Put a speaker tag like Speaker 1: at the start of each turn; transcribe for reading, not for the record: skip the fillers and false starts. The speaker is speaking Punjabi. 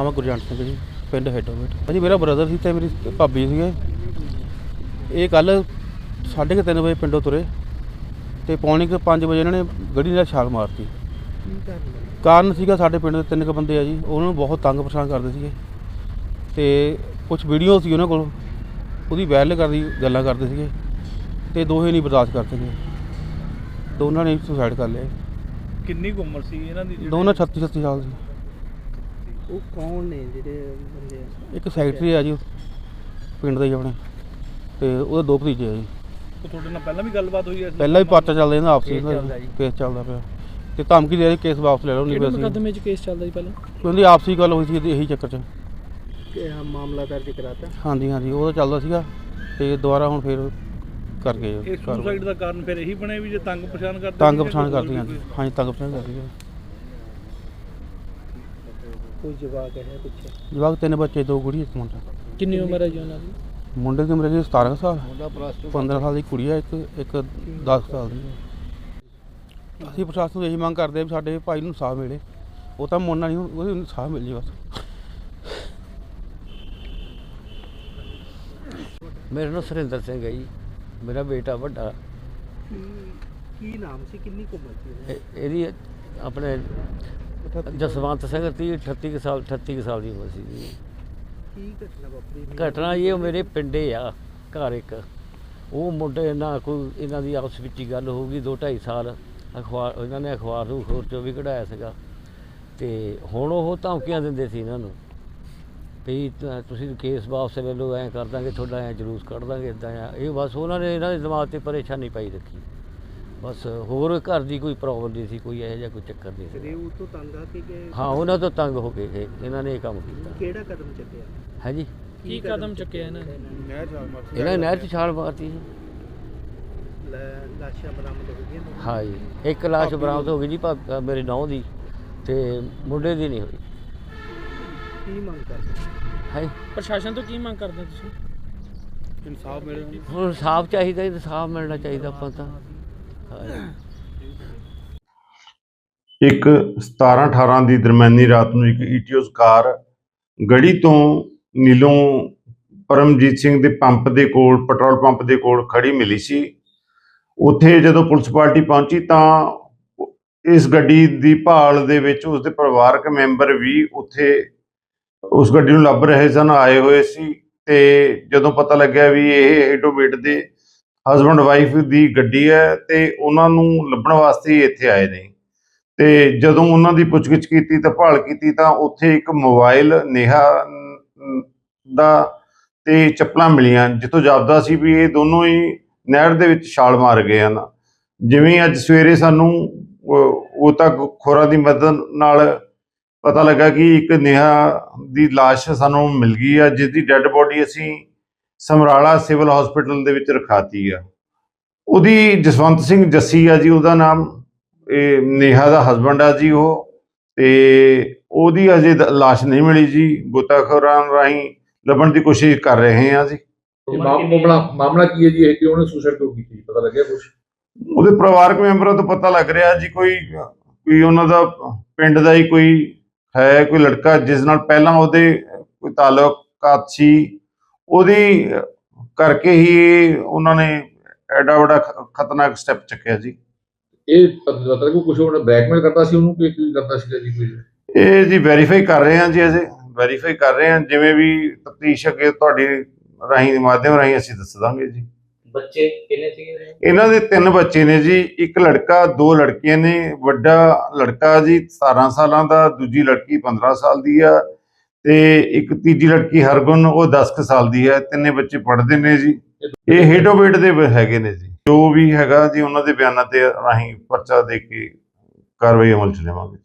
Speaker 1: है गुरजंट सिंह जी, पिंड हेडोमेट। भाजी मेरा ब्रदर सी ते मेरी भाभी सीगे। ये कल 3:30 बजे पिंडों तुरे तो पौने 5 बजे इन्होंने गड्डी ਨਾਲ ਛਾਲ ਮਾਰਤੀ। ਕਾਰਨ ਸੀਗਾ ਸਾਡੇ ਪਿੰਡ ਦੇ 3 ਬੰਦੇ ਆ ਜੀ, ਉਹਨਾਂ ਨੂੰ ਬਹੁਤ ਤੰਗ ਪਰੇਸ਼ਾਨ ਕਰਦੇ ਸੀਗੇ ਤੇ ਕੁਝ ਵੀਡੀਓ ਸੀ ਉਹਨਾਂ ਕੋਲ, ਉਹਦੀ ਵਾਇਰਲ ਕਰਦੀ ਗੱਲਾਂ ਕਰਦੇ ਸੀਗੇ ਤੇ ਦੋਹੇ ਨਹੀਂ ਬਰਦਾਸ਼ਤ ਕਰ ਸਕੇ, ਦੋਨਾਂ ਨੇ ਸੁਸਾਈਡ ਕਰ ਲਿਆ।
Speaker 2: ਕਿੰਨੀ ਕੁ ਉਮਰ ਸੀ ਇਹਨਾਂ ਦੀ?
Speaker 1: ਦੋਨਾਂ 36 ਸਾਲ ਸੀ।
Speaker 3: ਉਹ ਕੌਣ ਨੇ ਜਿਹੜੇ ਬੰਦੇ?
Speaker 1: ਇੱਕ ਸੈਕਟਰੀ ਆ ਜੀ ਪਿੰਡ ਦਾ ਹੀ ਆਪਣੇ, ਤੇ ਉਹਦੇ 2 ਭਤੀਜੇ ਆ ਜੀ।
Speaker 2: ਉਹ ਤੁਹਾਡੇ ਨਾਲ ਪਹਿਲਾਂ ਵੀ ਗੱਲਬਾਤ ਹੋਈ ਹੈ?
Speaker 1: ਪਹਿਲਾਂ ਵੀ ਪਰਚਾ ਚੱਲਦਾ ਇਹਨਾਂ ਆਪਸੀ ਕੇਸ ਚੱਲਦਾ ਪਿਆ ਤੇ ਧਮਕੀ ਦੇ ਰਹੀ ਕੇਸ ਵਾਪਸ ਲੈ ਲਓ ਨਹੀਂ
Speaker 3: ਕਿਹੜੇ ਮੁਕੱਦਮੇ 'ਚ ਕੇਸ ਚੱਲਦਾ ਜੀ ਪਹਿਲਾਂ?
Speaker 1: ਉਹਦੀ ਆਪਸੀ ਗੱਲ ਹੋਈ ਸੀ ਇਹੀ ਚੱਕਰ 'ਚ
Speaker 3: ਕਿ ਮਾਮਲਾ ਦਰਜ ਕਰਾਤਾ।
Speaker 1: ਹਾਂਜੀ ਉਹ ਤਾਂ ਚੱਲਦਾ ਸੀਗਾ ਤੇ ਦੁਬਾਰਾ ਹੁਣ ਫਿਰ ਕਰ ਗਏ।
Speaker 2: ਇਹ ਸੁਸਾਈਡ ਦਾ ਕਾਰਨ ਫਿਰ ਇਹੀ ਬਣਿਆ ਵੀ ਜੇ ਤੰਗ ਪਛਾਣ ਕਰਦੇ?
Speaker 1: ਤੰਗ ਪਛਾਣ ਕਰਦੀ ਹਾਂਜੀ ਤੰਗ ਪਛਾਣ ਕਰਦੀ ਹੈ।
Speaker 3: ਕੋਈ ਜਵਾਕ ਹੈ ਪਿੱਛੇ?
Speaker 1: ਜਵਾਕ 3 ਬੱਚੇ 2 ਕੁੜੀ 1 ਮੁੰਡਾ।
Speaker 3: ਕਿੰਨੀ ਉਮਰ ਹੈ ਜੀ ਉਹਨਾਂ ਦੀ?
Speaker 1: ਮੁੰਡੇ ਦੀ ਉਮਰ ਹੈ 17 ਸਾਲ, 15 ਸਾਲ ਦੀ ਕੁੜੀ ਹੈ, ਇੱਕ 10 ਸਾਲ ਦੀ ਹੈ। ਅਸੀਂ ਪ੍ਰਸ਼ਾਸਨ ਤੋਂ ਇਹੀ ਮੰਗ ਕਰਦੇ ਹਾਂ ਵੀ ਸਾਡੇ ਭਾਈ ਨੂੰ ਇਨਸਾਫ ਮਿਲੇ। ਉਹ ਤਾਂ ਮੋਨਾ ਨਹੀਂ, ਉਹਨੂੰ ਇਨਸਾਫ ਮਿਲ ਜੇ ਬਸ।
Speaker 4: मेरा नाम सुरिंदर सिंह है जी, मेरा बेटा ਵੱਡਾ।
Speaker 3: ਕੀ ਨਾਮ ਸੀ, ਕਿੰਨੀ ਕੁ ਉਮਰ ਸੀ?
Speaker 4: ਇਹਦੀ ਆਪਣੇ ਜਸਵੰਤ ਸਿੰਘ 38 ਸਾਲ ਦੀ ਉਮਰ ਸੀ ਜੀ।
Speaker 3: ਕੀ ਘਟਨਾ ਵਾਪਰੀ?
Speaker 4: ਘਟਨਾ ਇਹ ਮੇਰੇ ਪਿੰਡੇ ਆ ਘਰ ਇੱਕ, ਉਹ ਮੁੰਡੇ ਨਾਲ ਕੋਈ ਇਹਨਾਂ ਦੀ ਆਪਸ ਵਿੱਚ ਹੀ ਗੱਲ ਹੋ ਗਈ 2-2.5 ਸਾਲ। ਇਹਨਾਂ ਨੇ ਅਖਬਾਰ ਨੂੰ ਹੋਰ 'ਚੋਂ ਵੀ ਕਢਾਇਆ ਸੀਗਾ ਤੇ ਹੁਣ ਉਹ ਧਮਕੀਆਂ ਦਿੰਦੇ ਸੀ ਇਹਨਾਂ ਨੂੰ ਵੀ ਤੁਸੀਂ ਕੇਸ ਵਾਪਸ ਲੈ ਲਓ, ਐਂ ਕਰ ਦਾਂਗੇ ਤੁਹਾਡਾ, ਐਂ ਜਲੂਸ ਕੱਢ ਦਾਂਗੇ, ਇੱਦਾਂ ਆ। ਇਹ ਬਸ ਉਹਨਾਂ ਨੇ ਇਹਨਾਂ ਦੇ ਦਿਮਾਗ 'ਤੇ ਪਰੇਸ਼ਾਨੀ ਪਾਈ ਰੱਖੀ, ਬਸ ਹੋਰ ਘਰ ਦੀ ਕੋਈ ਪ੍ਰੋਬਲਮ ਨਹੀਂ ਸੀ, ਕੋਈ ਇਹੋ ਜਿਹਾ ਕੋਈ ਚੱਕਰ ਨਹੀਂ ਸੀ।
Speaker 3: ਉਹ ਤੋਂ ਤੰਗ ਆ ਕੇ
Speaker 4: ਹਾਂ ਉਹਨਾਂ ਤੋਂ ਤੰਗ ਹੋ ਕੇ ਇਹਨਾਂ ਨੇ ਇਹ ਕੰਮ ਕੀਤਾ।
Speaker 3: ਕਿਹੜਾ ਕਦਮ ਚੱਕਿਆ
Speaker 4: ਹੈ ਜੀ?
Speaker 3: ਕੀ ਕਦਮ ਚੱਕਿਆ ਇਹਨਾਂ ਨੇ?
Speaker 4: ਇਹਨਾਂ ਨੇ ਨਹਿਰ 'ਚ ਛਾਲ ਮਾਰਤੀ ਸੀ।
Speaker 3: ਲਾਸ਼ਾਂ ਬਰਾਮਦ ਹੋ ਗਈਆਂ?
Speaker 4: ਹਾਂ ਜੀ, ਇੱਕ ਲਾਸ਼ ਬਰਾਮਦ ਹੋ ਗਈ ਜੀ ਮੇਰੇ ਨੌਂ ਦੀ, ਤੇ ਮੁੰਡੇ ਦੀ ਨਹੀਂ ਹੋਈ।
Speaker 3: ਕੀ ਮੰਗ ਕਰਦੇ
Speaker 4: ਹੈ
Speaker 3: ਪ੍ਰਸ਼ਾਸਨ ਤੋਂ? ਕੀ ਮੰਗ ਕਰਦੇ ਤੁਸੀਂ?
Speaker 1: ਇਨਸਾਫ ਮਿਲੇ।
Speaker 4: ਹੁਣ ਇਨਸਾਫ ਚਾਹੀਦਾ, ਇਨਸਾਫ ਮਿਲਣਾ ਚਾਹੀਦਾ ਆਪਾਂ ਤਾਂ।
Speaker 5: ਇੱਕ 17-18 ਦੀ ਦਰਮਿਆਨੀ ਰਾਤ ਨੂੰ ਇੱਕ ਈਟੀਓਸ ਕਾਰ ਗੜੀ ਤੋਂ ਨੀਲੋਂ ਪਰਮਜੀਤ ਸਿੰਘ ਦੇ ਪੰਪ ਦੇ ਕੋਲ, ਪੈਟਰੋਲ ਪੰਪ ਦੇ ਕੋਲ ਖੜੀ ਮਿਲੀ ਸੀ। ਉੱਥੇ ਜਦੋਂ ਪੁਲਿਸ ਪਾਰਟੀ ਪਹੁੰਚੀ ਤਾਂ ਇਸ ਗੱਡੀ ਦੀ ਭਾਲ ਦੇ ਵਿੱਚ ਉਸਦੇ ਪਰਿਵਾਰਕ ਮੈਂਬਰ ਵੀ ਉੱਥੇ ਉਸ ਗੱਡੀ ਨੂੰ ਲੱਭ ਰਹੇ ਸਨ, ਆਏ ਹੋਏ ਸੀ। ਤੇ ਜਦੋਂ ਪਤਾ ਲੱਗਿਆ ਵੀ ਇਹ ਹੈਡੋਵੇਟ ਦੇ ਹਸਬੈਂਡ ਵਾਈਫ ਦੀ ਗੱਡੀ ਹੈ ਤੇ ਉਹਨਾਂ ਨੂੰ ਲੱਭਣ ਵਾਸਤੇ ਇੱਥੇ ਆਏ ਨੇ। ਤੇ ਜਦੋਂ ਉਹਨਾਂ ਦੀ ਪੁੱਛਗਿੱਛ ਕੀਤੀ ਤਾਂ ਭਾਲ ਕੀਤੀ ਤਾਂ ਉੱਥੇ ਇੱਕ ਮੋਬਾਈਲ ਨੇਹਾ ਦਾ ਤੇ ਚੱਪਲਾਂ ਮਿਲੀਆਂ, ਜਿੱਥੋਂ ਜਾਪਦਾ ਸੀ ਵੀ ਇਹ ਦੋਨੋਂ ਹੀ ਨਹਿਰ ਦੇ ਵਿੱਚ ਛਾਲ ਮਾਰ ਗਏ ਹਨ। ਜਿਵੇਂ ਅੱਜ ਸਵੇਰੇ ਸਾਨੂੰ ਉਹ ਤੱਕ ਖੋਰਾਂ ਦੀ ਮਦਦ ਨਾਲ ਪਤਾ ਲੱਗਾ ਕਿ ਇੱਕ ਨੇਹਾ ਦੀ ਲਾਸ਼ ਸਾਨੂੰ ਮਿਲ ਗਈ ਆ, ਜਿਸ ਦੀ ਡੈੱਡ ਬੋਡੀ ਅਸੀਂ ਸਮਰਾਲਾ ਸਿਵਲ ਹਸਪੀਟਲ ਦੇ ਵਿੱਚ ਰਖਾਤੀ ਆ। ਉਹਦੀ ਜਸਵੰਤ ਸਿੰਘ ਜੱਸੀ ਆ ਜੀ ਉਹਦਾ ਨਾਮ, ਇਹ ਨੇਹਾ ਦਾ ਹਸਬੈਂਡ ਆ ਜੀ ਉਹ, ਤੇ ਉਹਦੀ ਅਜੇ ਲਾਸ਼ ਨਹੀਂ ਮਿਲੀ ਜੀ। ਗੋਤਾਖੋਰਾਂ ਰਾਹੀਂ ਲੱਭਣ ਦੀ ਕੋਸ਼ਿਸ਼ ਕਰ ਰਹੇ ਹਾਂ ਜੀ।
Speaker 6: ਮਾਮਲਾ ਕੀ ਹੈ ਜੀ? ਇਹ ਕਿਉਂ ਉਹਨੇ ਸੁਸਾਈਡ ਕਿਉਂ ਕੀਤੀ, ਪਤਾ ਲੱਗਿਆ ਕੁਝ?
Speaker 5: ਉਹਦੇ ਪਰਿਵਾਰਕ ਮੈਂਬਰਾਂ ਤੋਂ ਪਤਾ ਲੱਗ ਰਿਹਾ ਜੀ ਕੋਈ ਉਹਨਾਂ ਦਾ ਪਿੰਡ ਦਾ ਹੀ ਕੋਈ ਹੈ, ਕੋਈ ਲੜਕਾ ਜਿਸ ਨਾਲ ਪਹਿਲਾਂ ਉਹਦੇ ਕੋਈ ਤਾਲੁਕਾਤ ਸੀ, ਉਹਦੀ ਕਰਕੇ ਹੀ ਉਹਨਾਂ ਨੇ ਐਡਾ ਵੱਡਾ ਖਤਰਨਾਕ ਸਟੈਪ ਚੱਕਿਆ ਜੀ।
Speaker 6: ਇਹ ਪਤਾ ਲੱਗੂ ਕੁਝ ਉਹਨੇ ਬਲੈਕਮੇਲ ਕਰਦਾ ਸੀ ਉਹਨੂੰ ਕਿ ਕੀ ਕਰਦਾ ਸੀਗਾ ਜੀ? ਕੋਈ
Speaker 5: ਇਹ ਜੀ ਵੈਰੀਫਾਈ ਕਰ ਰਹੇ ਹਾਂ ਜੀ, ਅਜੇ ਵੈਰੀਫਾਈ ਕਰ ਰਹੇ ਹਾਂ। ਜਿਵੇਂ ਵੀ ਤਫਤੀਸ਼ ਅੱਗੇ ਤੁਹਾਡੀ ਰਾਹੀਂ ਮਾਧਿਅਮ ਰਾਹੀਂ ਅਸੀਂ ਦੱਸ ਦਾਂਗੇ ਜੀ।
Speaker 3: ਬੱਚੇ ਕਿੰਨੇ ਸੀਗੇ
Speaker 5: ਇਹਨਾਂ ਦੇ 3 ਬੱਚੇ ਨੇ ਜੀ, ਇੱਕ ਲੜਕਾ 2 ਲੜਕੀਆਂ ਨੇ। ਵੱਡਾ ਲੜਕਾ ਜੀ 17 ਸਾਲਾਂ ਦਾ, ਦੂਜੀ ਲੜਕੀ 15 ਸਾਲ ਦੀ ਆ, ਤੇ ਇੱਕ ਤੀਜੀ ਲੜਕੀ ਹਰਗੁਣ ਉਹ 10 ਸਾਲ ਦੀ ਹੈ। 3 ਬੱਚੇ ਪੜ੍ਹਦੇ ਨੇ ਜੀ। ਇਹ ਹੈਡੋਵੇਟ ਦੇ ਹੈਗੇ ਨੇ ਜੀ। ਜੋ ਵੀ ਹੈਗਾ ਜੀ ਉਹਨਾਂ ਦੇ ਬਿਆਨਾਂ ਤੇ ਰਾਹੀਂ ਪਰਚਾ ਦੇ ਕੇ ਕਾਰਵਾਈ ਅਮਲ ਚ ਲਿਆਵਾਂਗੇ।